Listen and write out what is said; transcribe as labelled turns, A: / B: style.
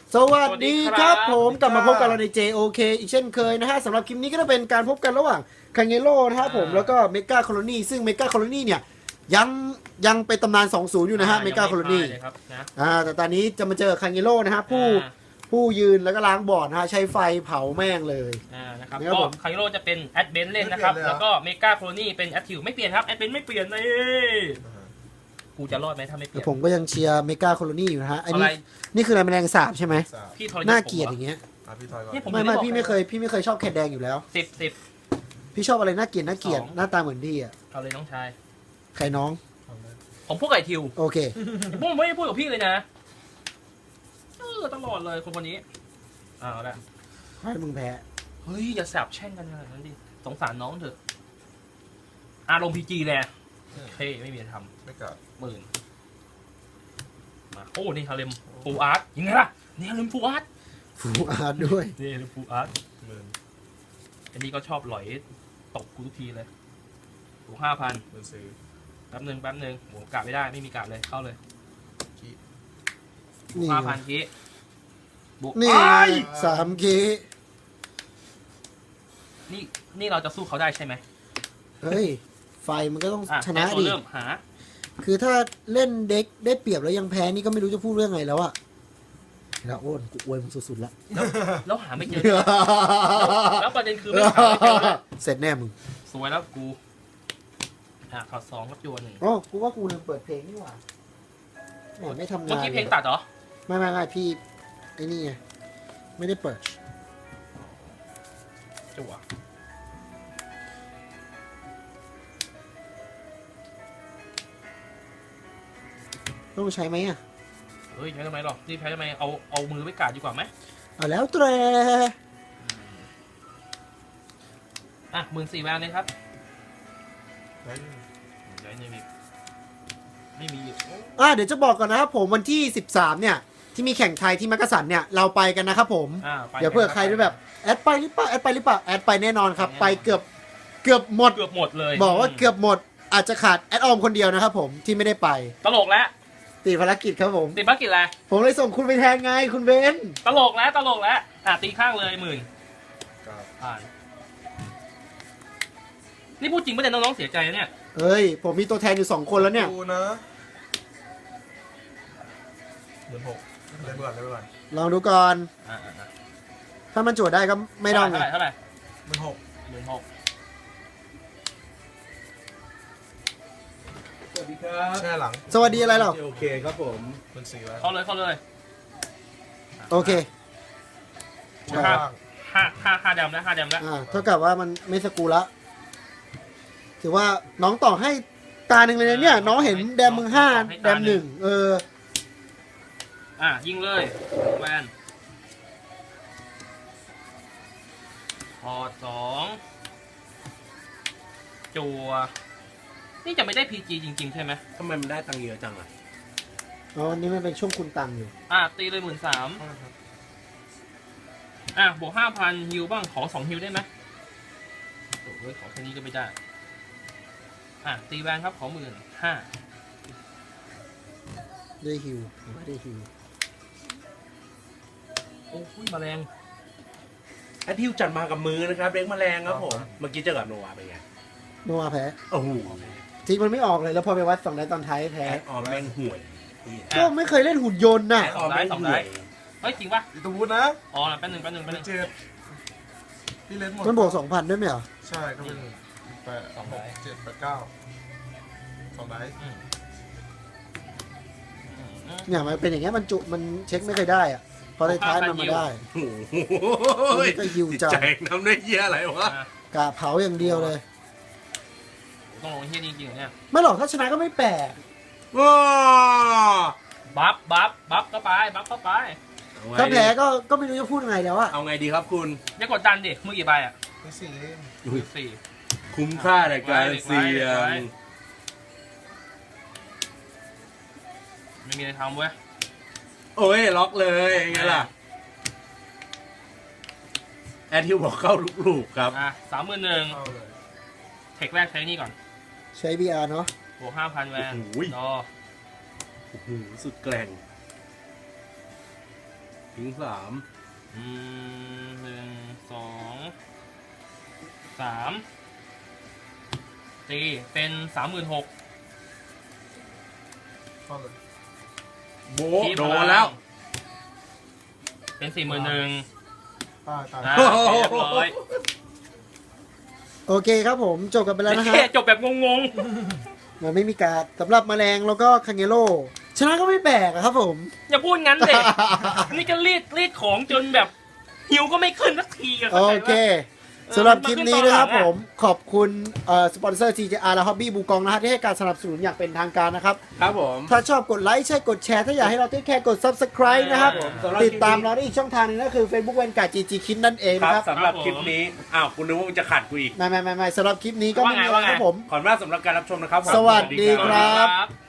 A: สวัสดีครับผมกลับมาพบกันเราใน JOK อีกเช่นเคยนะฮะสำหรับคลิปนี้ก็จะเป็นการพบกันระหว่างคังเยโร่นะครับผมแล้วก็เมกาโคโลนีซึ่งเมกาโคโลนีเนี่ยยังเป็นตำนาน 2-0 อยู่นะฮะเมกาโคโลนีแต่ตอนนี้จะมาเจอคังเยโร่นะฮะผู้ยืนแล้วก็ล้างบอร์ดนะฮะใช้ไฟเผาแม่งเลย
B: นะครับก็คังเยโร่จะเป็นแอดเบนเล่นนะครับแล้วก็เมกาโคโลนีเป็นแอดทิวไม่เปลี่ยนครับแอดเบนไม่เปลี่ยนเลยกูจะรอดไหมถ้าไม่เปลี่ยน
A: ผมก็ยังเชียร์เมกาโคโลนีอยู่นะฮะอันนี้นี่คืออะไรแมลงสาบใช่ไหม
B: พี่ทอย
A: น่าเกลียดอย่างเงี้ยไม่พี่ไม่เคยชอบแคทแดงอยู่แล้ว
B: 10
A: พี่ชอบอะไรน่าเกลียดหน้าตาเหมือนพี่อ่ะ
B: เอาเลยน้องชาย
A: ใครน้อง
B: ผมพูดไก่ทิว
A: โอเค
B: ผมไม่ได้พูดกับพี่เลยนะตลอดเลยคนนี้เอาละ
A: ให้มึงแพ้
B: เฮ้ยอย่าแสบแช่งกันขนาดนั้นดิสงสารน้องเถอะอารมณ์พีจีแหละเท่ไม่มีอะไรทำ
C: ไม่กลับ
B: 10,000มาโอ้นี่ฮาเลมฟูอาร์ตยังไงล่ะนี่ฮาเลมฟูอาร์ต
A: ด้วย
B: นี่ฮาเลมฟูอาร์ตอันนี้ก็ชอบหลอยตกกูทุกทีเลยถูก5,000แป๊บหนึ่งโหกะไม่ได้ไม่มีกะเลยเข้าเลย5,000กี้
A: นี่3กี้
B: นี่เราจะสู้เขาได้ใช่ไหม
A: เฮ้ยไฟมันก็ต้องชนะดิ
B: หา
A: คือถ้าเล่นเด็กได้เปรียบแล้วยังแพ้นี่ก็ไม่รู้จะพูดเรื่องไงแล้วอะแล้วโอ้นกูอวยมึงสุดๆ
B: แล้วหาไม่เจอแล้วประเด็นคือไม่หาไม่เจอ
A: เสร็จแน่มึง
B: สวยแล้วกูถอด2กับจัว1
A: อ๋อกูว่ากูลืมเปิดเพลงนี่หว่าไม่ทำงาน
B: เมื่อกี้เพลงตัดเหรอ
A: ไม่พี่ไอ้นี่ไงไม่ได้เปิด
B: จัว
A: ต้องใช้ไหมอ่ะ
B: เฮ้ยใช้ทำไมหรอกนี่ใช้ทำไมเอามือไว้กาดดีกว่าไหม
A: เอาแล้วแตร
B: 14,000แวนเลยครับไม่มี
A: เดี๋ยวจะบอกก่อนนะครับผมวันที่13เนี่ยที่มีแข่งไทยที่มักกะสันเนี่ยเราไปกันนะครับผมเดี๋ยวเผื่อใครด้วยแบบแอดไปหรือเปล่าแอดไปแน่นอนครับไปเกือบหมด
B: เลย
A: บอกว่าเกือบหมดอาจจะขาดแอดออมคนเดียวนะครับผมที่ไม่ได้ไป
B: ตลกแล้ว
A: ติดภารกิจครับผม
B: ติดภารกิจอะไร
A: ผมเลยส่งคุณไปแทนไงคุณเบน
B: ตลกแล้วตีข้างเลย10,000ผ่านนี่พูดจริงไม่ได้น้องๆเสียใจนะเนี่ย
A: เฮ้ยผมมีตัวแทนอยู่2คนแล้วเนี่ย
C: ดูนะ16เล่นก่อน
A: ลองดูก่อนถ้ามันจวดได้ก็ไม่ต้อง
B: ไงเท่าไหร่
C: 16,000สวัสดีครับแช่หลัง
A: สวัสดีอะไรหรอ
C: โอเคครับผมเป็น4แล้ว
B: เข้าเลย
A: โอเค
B: ห้าดำแล้ว
A: เท่ากับว่ามันไม่สกูละถือว่าน้องต่อให้ตาหนึ่งเลยเนี่ยน้องเห็นแดมมึง5แดม1
B: ยิงเลยแวนพอ2จัวนี่จะไม่ได้ PG จริงๆใช่ไหม
C: ทำไมมันได้ตังค์เยอะจังอ่ะ
A: วันนี้มันเป็นช่วงคุณตังอยู่
B: ตีเลย13,000บวก 5,000 ฮิวบ้างขอ2ฮิวได้ไหมโอ้ยขอแค่นี้ก็ไม่ได้ตีแวนครับขอ15,000
A: ได้ฮิวไม่ได้ฮิว
B: โอ้ยแมลง
C: แอดทิวจัดมากับมือนะครับเล็กแมลงครับผมเมื่อกี้เจอกับโนวาเป็นไง
A: โนวาแพ้
C: โอ้โห
A: ทีมันไม่ออกเลยแล้วพอไปวัด2ได้ตอนท้ายแพ้
C: แม่งห่วย
A: ก็ไม่เคยเล่นหุ่นยนต์น่ะ
B: 2ได้เฮ้ยจริงป่ะ
C: ตัวบูธนะ
B: แป๊บนึง
C: เจ็บพี่เล่นหมด
A: มันบวก 2,000 ด้วยไหมเหรอ
C: ใช่ก็เป็น8 6 7 8 9 2ได้
A: เนี่ยมันเป็นอย่างเงี้ยมันเช็คไม่เคยได้อ่ะพอได้ท้ายมันมาได้มันก็ฮิวจัง
C: ใจทำได้เยี่ยอะไรวะ
A: กะเผาอย่างเดียวเลย
B: ต้องลงเฮียจริงๆเนี่ย
A: ไม่หรอกถ้าชนะก็ไม่แปลก
C: ว้า
B: บัฟเข้าไป
A: ถ้าแพ้ก็ไม่รู้จะพูดยังไงแล้วอะ
C: เอาไงดีครับคุณ
B: อย่ากดดันดิมือกี่ใบ
C: 4คุ้มค่าในการเสี่ยง
B: ไม่มีอะไรทำเว้ย
C: โอ้ยล็อกเลยไงล่ะแอดทิวบอกเข้าลูกครับ
B: 31,000เทคแรกใช้นี่ก่อน
A: ใช้ BR เนาะ
B: บวก 5,000 แวน
C: สุดแกร่งทิ้ง
B: 1 2 3ตีเป็น36,000
D: เข้าเลย
C: 3โบะโดนแล้ว
B: เป็น41,000
D: ตาย
B: อ่ะเรียบร้อย
A: โอเคครับผมจบกันไปแล้วนะฮะ
B: แค่จบแบบงง
A: มันไม่มีการดสำหรับแมลงแล้วก็คังเงโร่ชนะก็ไม่แปลกอะครับผม
B: ๆ อย่าพูดงั้นเด็ก นี่ก็รีดของจนแบบหิวก็ไม่ขึ้นสักทีอะ
A: โอ
B: ข้าใจปะ
A: เคสำหรับคลิปนี้นะครับ
B: มันขึ้นตอนหลังอะ
A: ผมขอบคุณสปอนเซอร์ TJR และ Hobby บูกองนะฮะที่ให้การสนับสนุนอย่างเป็นทางการนะครับ
C: ครับผม
A: ถ้าชอบกดไลค์ใช่กดแชร์ถ้าอยากให้เราติ๊กแค่กด Subscribe นะครับ
C: สำหรับ
A: ติดตามเราได้อีกช่องทางหนึงก็คือ Facebook เวนการ์ GG คิดนั่นเอง
C: ค
A: นะ
C: รั
A: ครับ บ
C: สำหรับคลิปนี้อ้าวคุณนึกว่ามึงจะขัดกูอีก
A: ไม่สำหรับคลิปนี้ก็ไม่มีอะไร
B: ว่าไง
A: ครับผม
C: ขอบคุณมากสำหรับการรับชมนะครับผม
A: สวัสดีครับ
B: ครับ